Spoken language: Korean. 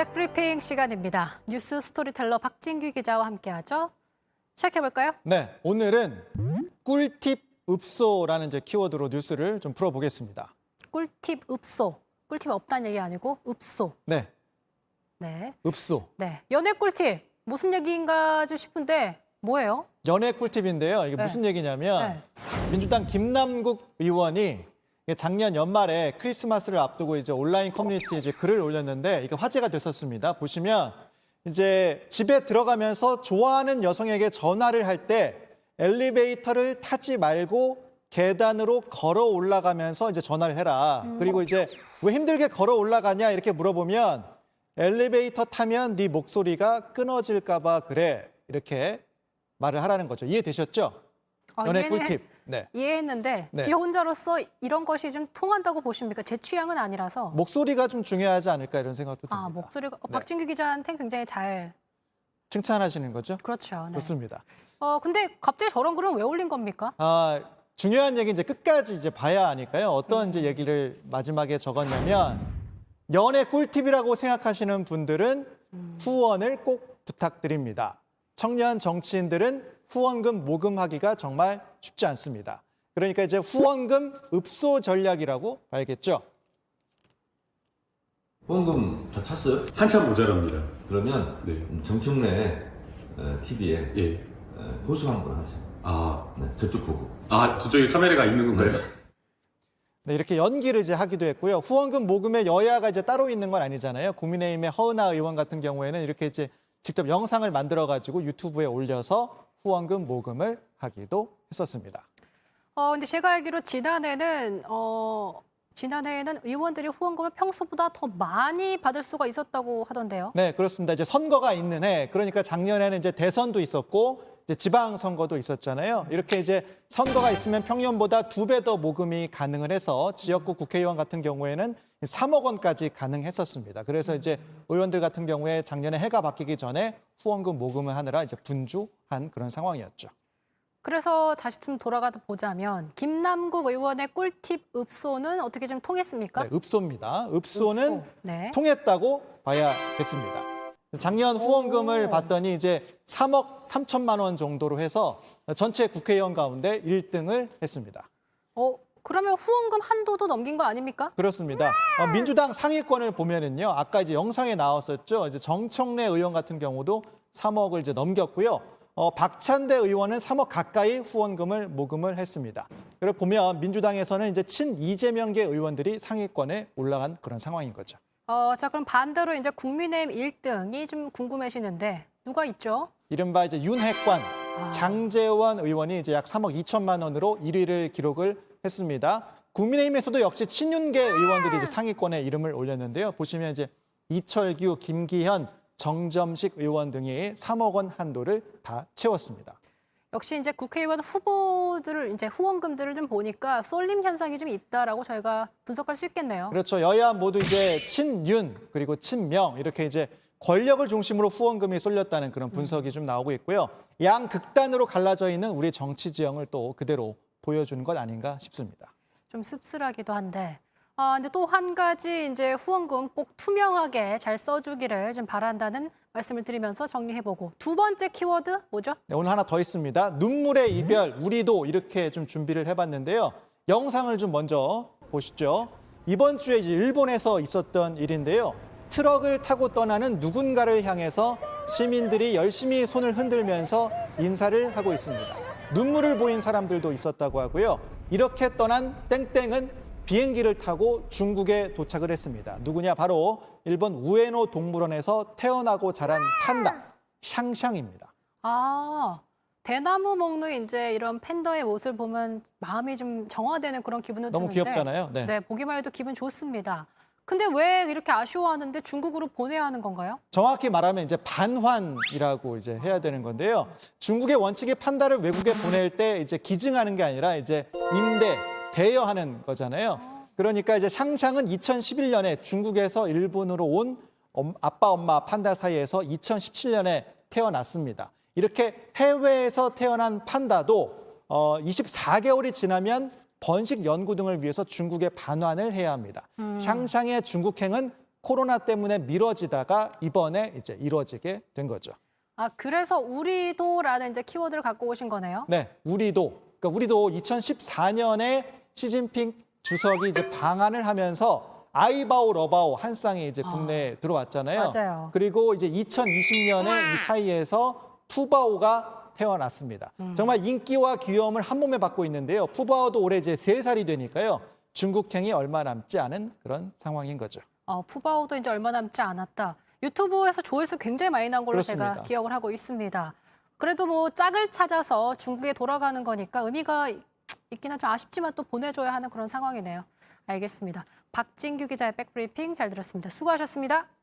백브리핑 시간입니다. 뉴스 스토리텔러 박진규 기자와 함께하죠. 시작해볼까요? 네, 오늘은 꿀팁 읍소라는 이제 키워드로 뉴스를 좀 풀어보겠습니다. 꿀팁 읍소. 꿀팁 없다는 얘기 아니고 읍소. 네, 네. 읍소. 네. 연애 꿀팁. 무슨 얘기인가 좀 싶은데 뭐예요? 연애 꿀팁인데요. 이게 네. 무슨 얘기냐면 네. 민주당 김남국 의원이 작년 연말에 크리스마스를 앞두고 이제 온라인 커뮤니티에 이제 글을 올렸는데 이게 화제가 됐었습니다. 보시면 이제 집에 들어가면서 좋아하는 여성에게 전화를 할 때 엘리베이터를 타지 말고 계단으로 걸어 올라가면서 이제 전화를 해라. 그리고 이제 왜 힘들게 걸어 올라가냐 이렇게 물어보면 엘리베이터 타면 네 목소리가 끊어질까 봐 그래. 이렇게 말을 하라는 거죠. 이해되셨죠? 연애 꿀팁. 네. 이해했는데 네. 비혼자로서 이런 것이 좀 통한다고 보십니까? 제 취향은 아니라서. 목소리가 좀 중요하지 않을까 이런 생각도 듭니다. 아, 목소리가 네. 박진규 기자한테는 굉장히 잘. 칭찬하시는 거죠? 그렇죠. 네. 좋습니다. 근데 갑자기 저런 글은 왜 올린 겁니까? 중요한 얘기 이제 끝까지 이제 봐야 하니까요. 어떤 이제 얘기를 마지막에 적었냐면 연애 꿀팁이라고 생각하시는 분들은 후원을 꼭 부탁드립니다. 청년 정치인들은 후원금 모금하기가 정말 쉽지 않습니다. 그러니까 이제 후원금 읍소 전략이라고 봐야겠죠. 후원금 다 찼어요? 한참 모자랍니다. 그러면 네. 정청래 TV에 예. 호수 한번 하세요. 아, 네, 저쪽 보고. 저쪽에 카메라가 있는 건가요? 네, 이렇게 연기를 이제 하기도 했고요. 후원금 모금에 여야가 이제 따로 있는 건 아니잖아요. 국민의힘의 허은하 의원 같은 경우에는 이렇게 이제 직접 영상을 만들어 가지고 유튜브에 올려서 후원금 모금을 하기도 했었습니다. 근데 제가 알기로 지난해에는 의원들이 후원금을 평소보다 더 많이 받을 수가 있었다고 하던데요. 네, 그렇습니다. 이제 선거가 있는 해, 그러니까 작년에는 이제 대선도 있었고 이제 지방선거도 있었잖아요. 이렇게 이제 선거가 있으면 평년보다 2배 더 모금이 가능을 해서 지역구 국회의원 같은 경우에는 3억 원까지 가능했었습니다. 그래서 이제 의원들 같은 경우에 작년에 해가 바뀌기 전에 후원금 모금을 하느라 이제 분주한 그런 상황이었죠. 그래서 다시 좀 돌아가다 보자면 김남국 의원의 꿀팁 읍소는 어떻게 좀 통했습니까? 네, 읍소입니다. 읍소는 읍소. 네. 통했다고 봐야겠습니다. 작년 후원금을 봤더니 이제 3억 3천만 원 정도로 해서 전체 국회의원 가운데 1등을 했습니다. 그러면 후원금 한도도 넘긴 거 아닙니까? 그렇습니다. 민주당 상위권을 보면은요, 아까 이제 영상에 나왔었죠. 이제 정청래 의원 같은 경우도 3억을 이제 넘겼고요. 박찬대 의원은 3억 가까이 후원금을 모금을 했습니다. 그리고 보면 민주당에서는 이제 친 이재명계 의원들이 상위권에 올라간 그런 상황인 거죠. 자, 그럼 반대로 이제 국민의힘 1등이 좀 궁금해지는데 누가 있죠? 이른바 이제 윤핵관 장제원 의원이 이제 약 3억 2천만 원으로 1위를 기록을 했습니다. 국민의힘에서도 역시 친윤계 의원들이 이제 상위권에 이름을 올렸는데요. 보시면 이제 이철규, 김기현, 정점식 의원 등이 3억 원 한도를 다 채웠습니다. 역시 이제 국회의원 후보들을 이제 후원금들을 좀 보니까 쏠림 현상이 좀 있다라고 저희가 분석할 수 있겠네요. 그렇죠. 여야 모두 이제 친윤 그리고 친명 이렇게 이제 권력을 중심으로 후원금이 쏠렸다는 그런 분석이 좀 나오고 있고요. 양 극단으로 갈라져 있는 우리 정치 지형을 또 그대로 보여주는 것 아닌가 싶습니다. 좀 씁쓸하기도 한데. 근데 또 한 가지 이제 후원금 꼭 투명하게 잘 써주기를 좀 바란다는 말씀을 드리면서 정리해보고 두 번째 키워드 뭐죠? 네, 오늘 하나 더 있습니다. 눈물의 이별, 우리도 이렇게 좀 준비를 해봤는데요. 영상을 좀 먼저 보시죠. 이번 주에 이제 일본에서 있었던 일인데요. 트럭을 타고 떠나는 누군가를 향해서 시민들이 열심히 손을 흔들면서 인사를 하고 있습니다. 눈물을 보인 사람들도 있었다고 하고요. 이렇게 떠난 땡땡은 비행기를 타고 중국에 도착을 했습니다. 누구냐? 바로 일본 우에노 동물원에서 태어나고 자란 판다, 샹샹입니다. 대나무 먹는 이제 이런 팬더의 모습을 보면 마음이 좀 정화되는 그런 기분도 너무 드는데. 귀엽잖아요. 네. 네, 보기만 해도 기분 좋습니다. 근데 왜 이렇게 아쉬워하는데 중국으로 보내야 하는 건가요? 정확히 말하면 이제 반환이라고 이제 해야 되는 건데요. 중국의 원칙이 판다를 외국에 보낼 때 이제 기증하는 게 아니라 이제 대여하는 거잖아요. 그러니까 이제 샹샹은 2011년에 중국에서 일본으로 온 아빠, 엄마 판다 사이에서 2017년에 태어났습니다. 이렇게 해외에서 태어난 판다도 24개월이 지나면 번식 연구 등을 위해서 중국에 반환을 해야 합니다. 샹샹의 중국행은 코로나 때문에 미뤄지다가 이번에 이제 이루어지게 된 거죠. 아, 그래서 우리도라는 이제 키워드를 갖고 오신 거네요. 네, 우리도. 그러니까 우리도 2014년에 시진핑 주석이 이제 방한을 하면서 아이바오 러바오 한 쌍이 이제 국내에 들어왔잖아요. 맞아요. 그리고 이제 2020년에 이 사이에서 푸바오가 태어났습니다. 정말 인기와 귀여움을 한 몸에 받고 있는데요. 푸바오도 올해 이제 3살이 되니까요. 중국행이 얼마 남지 않은 그런 상황인 거죠. 푸바오도 이제 얼마 남지 않았다. 유튜브에서 조회수 굉장히 많이 나온 걸로 제가 그렇습니다. 기억을 하고 있습니다. 그래도 뭐 짝을 찾아서 중국에 돌아가는 거니까 의미가 있긴 하죠. 아쉽지만 또 보내줘야 하는 그런 상황이네요. 알겠습니다. 박진규 기자의 백브리핑 잘 들었습니다. 수고하셨습니다.